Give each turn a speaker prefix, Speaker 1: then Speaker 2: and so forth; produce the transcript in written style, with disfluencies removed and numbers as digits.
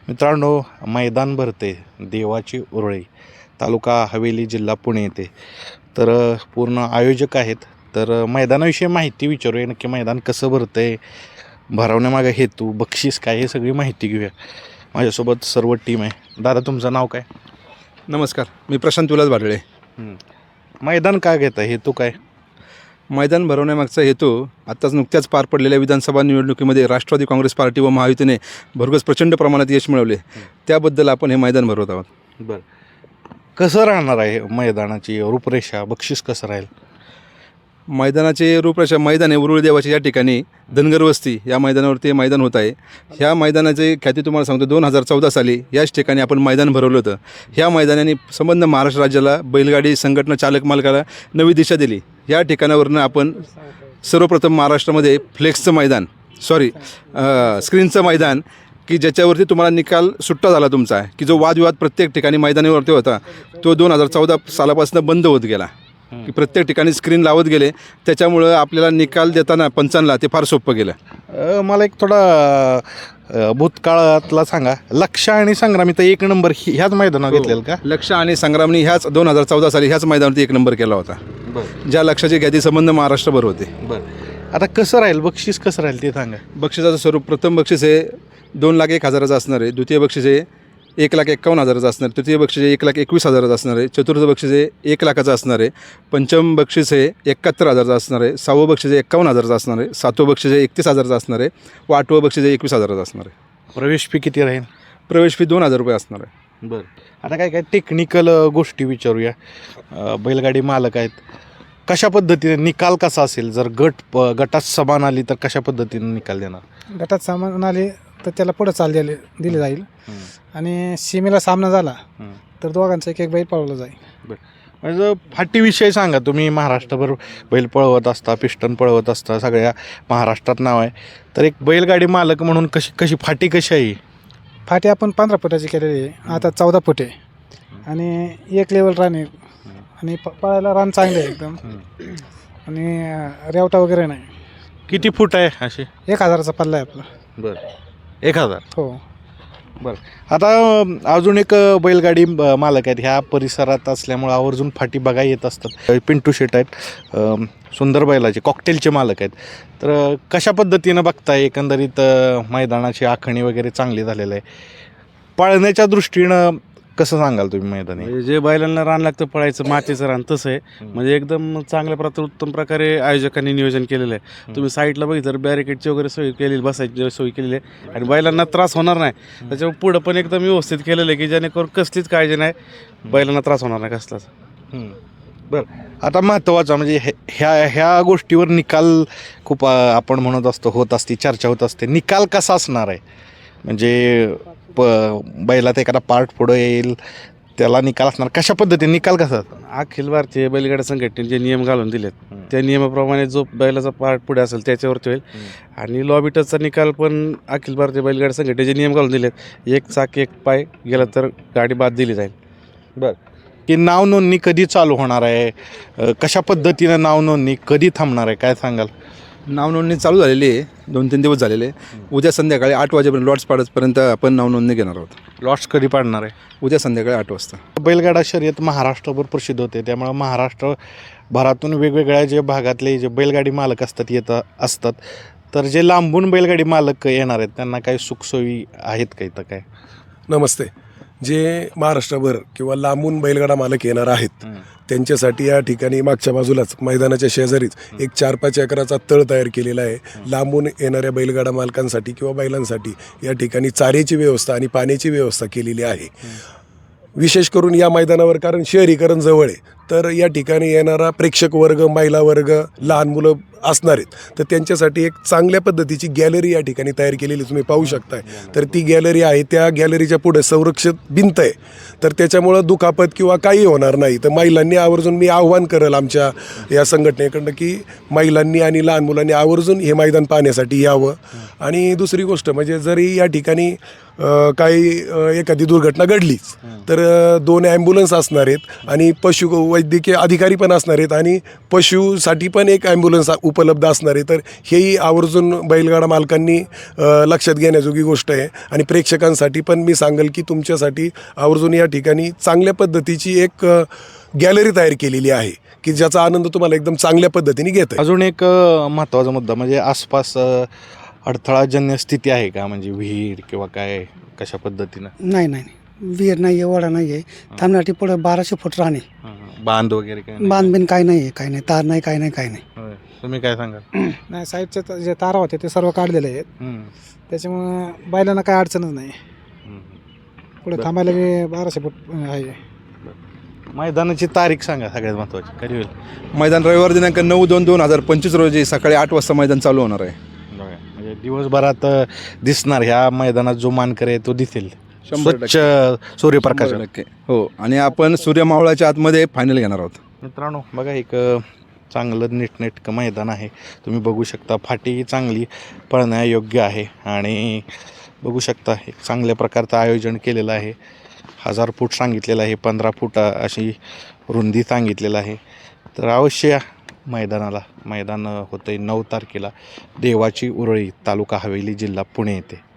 Speaker 1: मित्रांनो, मैदान भरते देवाची उरळी, तालुका हवेली, जिल्हा पुणे येथे. तर पूर्ण आयोजक आहेत. तर मैदानाविषयी माहिती विचारूया. नक्की मैदान कसं भरतं आहे, भरवण्यामागे हेतू, बक्षीस काय, हे सगळी माहिती घेऊया. माझ्यासोबत सर्व टीम आहे. दादा, तुमचं नाव काय?
Speaker 2: नमस्कार, मी प्रशांत विलास भाडळे.
Speaker 1: मैदान का घेता, हेतू काय?
Speaker 2: मैदान भरवण्यामागचा हेतू आत्ताच नुकत्याच पार पडलेल्या विधानसभा निवडणुकीमध्ये राष्ट्रवादी काँग्रेस पार्टी व महायुतीने भरघोस प्रचंड प्रमाणात यश मिळवले. त्याबद्दल आपण हे मैदान भरवत आहोत.
Speaker 1: बरं, कसं राहणार आहे मैदानाची रूपरेषा, बक्षीस कसं राहील?
Speaker 2: मैदानाचे रूपरेषा, मैदान आहे उरुळी देवाचे या ठिकाणी धनगर वस्ती या मैदानावरती मैदान होत आहे. ह्या मैदानाचे ख्याती तुम्हाला सांगतो, 2014 साली याच ठिकाणी आपण मैदान भरवलं होतं. ह्या मैदानाने संबंध महाराष्ट्र राज्याला, बैलगाडी संघटना चालक मालकाला नवी दिशा दिली. या ठिकाणावरनं आपण सर्वप्रथम महाराष्ट्रामध्ये फ्लेक्सचं मैदान, स्क्रीनचं मैदान, की ज्याच्यावरती तुम्हाला निकाल सुट्टा झाला तुमचा, की जो वादविवाद प्रत्येक ठिकाणी मैदानावरती होता तो 2014 सालापासून बंद होत गेला, की प्रत्येक ठिकाणी स्क्रीन लावत गेले. त्याच्यामुळं आपल्याला निकाल देताना पंचांना ते फार सोपं गेलं.
Speaker 1: मला एक थोडा भूतकाळातला सांगा. लक्ष आणि संग्रामी तर 1 नंबर ह्याच मैदानावर घेतलेलं का?
Speaker 2: लक्ष आणि संग्रामनी ह्याच 2014 साली ह्याच मैदानावरती 1 नंबर केला होता. ज्या लक्षाचे ख्याती संबंध महाराष्ट्रभर होते.
Speaker 1: आता कसं राहील, बक्षीस कसं राहील ते सांगा.
Speaker 2: बक्षिसाचं स्वरूप, प्रथम बक्षीस हे 2,01,000 असणार आहे. द्वितीय बक्षीस हे 1,51,000 असणार आहे. तृतीय बक्षीस हे 1,21,000 असणार आहे. चतुर्थ बक्षीस हे 1,00,000 असणार आहे. पंचम बक्षीस हे 71,000 असणार आहे. 6वं बक्षीस हे 51,000 असणार आहे. 7वं बक्षीस हे 31,000 असणार आहे. व 8वं बक्षीस हे 21,000 असणार आहे.
Speaker 1: प्रवेश फी किती राहील?
Speaker 2: प्रवेश फी 2,000 रुपये असणार आहे.
Speaker 1: बरं, आता काय काय टेक्निकल गोष्टी विचारूया. बैलगाडी मालक आहेत, कशा पद्धतीने निकाल कसा असेल? जर गटात समान आली तर कशा पद्धतीने निकाल देणार?
Speaker 3: गटात सामान आले तर त्याला पुढं चाल दिली जाईल. आणि सीमेला सामना झाला तर दोघांचा एक बैल पळवला जाईल.
Speaker 1: म्हणजे फाटीविषयी सांगा. तुम्ही महाराष्ट्रभर बैल पळवत असता, पिस्टन पळवत असता, सगळ्या महाराष्ट्रात नाव आहे. तर एक बैलगाडी मालक म्हणून कशी फाटी कशी आहे?
Speaker 3: फाटी आपण 15 फुटाची केलेली आहे, आता 14 फूट आहे. आणि 1 लेवल रान आहे. आणि पळायला रान चांगले आहे एकदम. आणि रेवटा वगैरे नाही.
Speaker 1: किती फूट आहे असे?
Speaker 3: 1,000चा पल्ला आहे आपला.
Speaker 1: बरं, 1,000.
Speaker 3: हो.
Speaker 1: बरं, आता अजून एक बैलगाडी मालक आहेत ह्या परिसरात असल्यामुळं आवर्जून फाटी बघा येत असतात. पिंटू शेट आहेत, सुंदर बैलाचे कॉकटेलचे मालक आहेत. तर कशा पद्धतीनं बघताय एकंदरीत मैदानाची आखणी वगैरे चांगली झालेलं आहे? पाळण्याच्या दृष्टीनं कसं सांगाल तुम्ही मैदानी?
Speaker 4: म्हणजे जे बैलांना रान लागतं पळायचं, मातीचं रान तसं आहे. म्हणजे एकदम चांगल्या उत्तम प्रकारे आयोजकांनी नियोजन केलेलं आहे. तुम्ही साईडला बघितलं बॅरिकेडची वगैरे सोय केलेली, बसायची सोय केलेली आहे. आणि बैलांना त्रास होणार नाही. त्याच्यामुळे पुढं पण एकदम व्यवस्थित केलेलं आहे, की जेणेकरून कसलीच काळजी नाही, बैलांना त्रास होणार नाही कसलाच.
Speaker 1: बरं, आता महत्त्वाचा म्हणजे ह्या गोष्टीवर निकाल खूप आपण म्हणत असतो, होत असते, चर्चा होत असते. निकाल कसा असणार आहे? म्हणजे बैलात एखादा पार्ट पुढं येईल त्याला निकाल असणार, कशा पद्धतीने निकाल कसा?
Speaker 4: अखिल भारतीय बैलगाडा संघटनेने जे नियम घालून दिलेत त्या नियमाप्रमाणे जो बैलाचा पार्ट पुढे असेल त्याच्यावरती होईल. आणि लॉबी टचचा निकाल पण अखिल भारतीय बैलगाडा संघटनेचे नियम घालून दिलेत. 1 चाक 1 पाय गेला तर गाडी बाद दिली जाईल.
Speaker 1: बरं, की नाव नोंदणी कधी चालू होणार आहे? कशा पद्धतीनं नाव नोंदणी कधी थांबणार आहे, काय सांगाल?
Speaker 2: नाव नोंदणी चालू झालेली आहे, 2-3 दिवस झालेले. उद्या संध्याकाळी 8 वाजेपर्यंत, लॉट्स पाडतपर्यंत आपण नाव नोंदणी घेणार आहोत.
Speaker 1: लॉट्स कधी पाडणार आहे?
Speaker 2: उद्या संध्याकाळी 8 वाजता.
Speaker 1: बैलगाडा शर्यत महाराष्ट्रभर प्रसिद्ध होते, त्यामुळे महाराष्ट्रभरातून वेगवेगळ्या जे भागातले जे बैलगाडी मालक असतात. तर जे लांबून बैलगाडी मालक येणार आहेत त्यांना काही सुखसोयी आहेत का इथं काय?
Speaker 5: नमस्ते. जे महाराष्ट्रभर किंवा लांबून बैलगाडा मालक येणार आहेत त्यांच्यासाठी या ठिकाणी मागच्या बाजूलाच मैदानाच्या शेजारीच एक 4-5 एकराचा तळ तयार केलेला आहे. लांबून येणाऱ्या बैलगाडा मालकांसाठी किंवा बैलांसाठी या ठिकाणी चाऱ्याची व्यवस्था आणि पाण्याची व्यवस्था केलेली आहे. विशेष करून या मैदानावर, कारण शहरीकरण जवळ आहे, तर या ठिकाणी येणारा प्रेक्षक वर्ग, महिला वर्ग, लहान मुलं असणार आहेत. तर त्यांच्यासाठी एक चांगल्या पद्धतीची गॅलरी या ठिकाणी तयार केलेली तुम्ही पाहू शकताय. तर ती गॅलरी आहे, त्या गॅलरीच्या पुढे संरक्षित भिंत आहे. तर त्याच्यामुळं दुखापत किंवा काही होणार नाही. तर महिलांनी आवर्जून, मी आव्हान करेल आमच्या या संघटनेकडनं, की महिलांनी आणि लहान मुलांनी आवर्जून हे मैदान पाहण्यासाठी यावं. आणि दुसरी गोष्ट म्हणजे जरी या ठिकाणी काही एखादी दुर्घटना घडलीच तर 2 ॲम्ब्युलन्स असणार आहेत आणि पशु वैद्यकीय अधिकारी पण असणार आहेत आणि पशुसाठी पण एक ॲम्ब्युलन्स उपलब्ध असणार आहे. तर हेही आवर्जून बैलगाडा मालकांनी लक्षात घेण्याजोगी गोष्ट आहे. आणि प्रेक्षकांसाठी पण मी सांगेल की तुमच्यासाठी आवर्जून या ठिकाणी चांगल्या पद्धतीची एक गॅलरी तयार केलेली आहे की ज्याचा आनंद तुम्हाला एकदम चांगल्या पद्धतीने घेता येईल.
Speaker 1: अजून एक महत्त्वाचा मुद्दा म्हणजे आसपास अडथळाजन्य स्थिती आहे का, म्हणजे विहीर किंवा काय कशा पद्धतीनं?
Speaker 6: नाही नाही नाही. विहीर नाही आहे, ओढा नाही आहे. थांबण्यासाठी पुढे 1200 फूट राहणे.
Speaker 1: बांध वगैरे काय नाही?
Speaker 6: बांधबिन काय नाही आहे, काय नाही, तार नाही, काय नाही, काय नाही.
Speaker 1: होय. तुम्ही काय सांगाल?
Speaker 3: नाही, साईडचे जे तारा होते ते सर्व काढलेले आहेत. त्याच्यामुळं बैलांना काय अडचणच नाही. पुढे थांबायला बी 1200 फूट आहे.
Speaker 1: मैदानाची तारीख सांगा सगळ्यात महत्त्वाची, कधी होईल?
Speaker 2: मैदान रविवार दिनांक 9/2/2025 रोजी सकाळी 8 वाजता मैदान चालू होणार आहे.
Speaker 1: बघा, म्हणजे दिवसभरात दिसणार ह्या मैदानात जो मानकरी आहे तो दिसेल
Speaker 2: 100%
Speaker 1: स्वच्छ सूर्यप्रकाश.
Speaker 2: 100%. हो, आणि आपण सूर्यमावळाच्या आतमध्ये फायनल घेणार आहोत.
Speaker 1: मित्रांनो बघा, एक चांगलं नीटनेटकं मैदान आहे. तुम्ही बघू शकता फाटी चांगली पळण्यायोग्य आहे आणि बघू शकता एक चांगल्या प्रकारचं आयोजन केलेलं आहे. 1000 फूट सांगितलेलं आहे, 15 फूट अशी रुंदी सांगितलेलं आहे. तर अवश्य या मैदानाला. मैदान होतं आहे 9 तारखेला, देवाची उरळी, तालुका हवेली, जिल्हा पुणे येथे.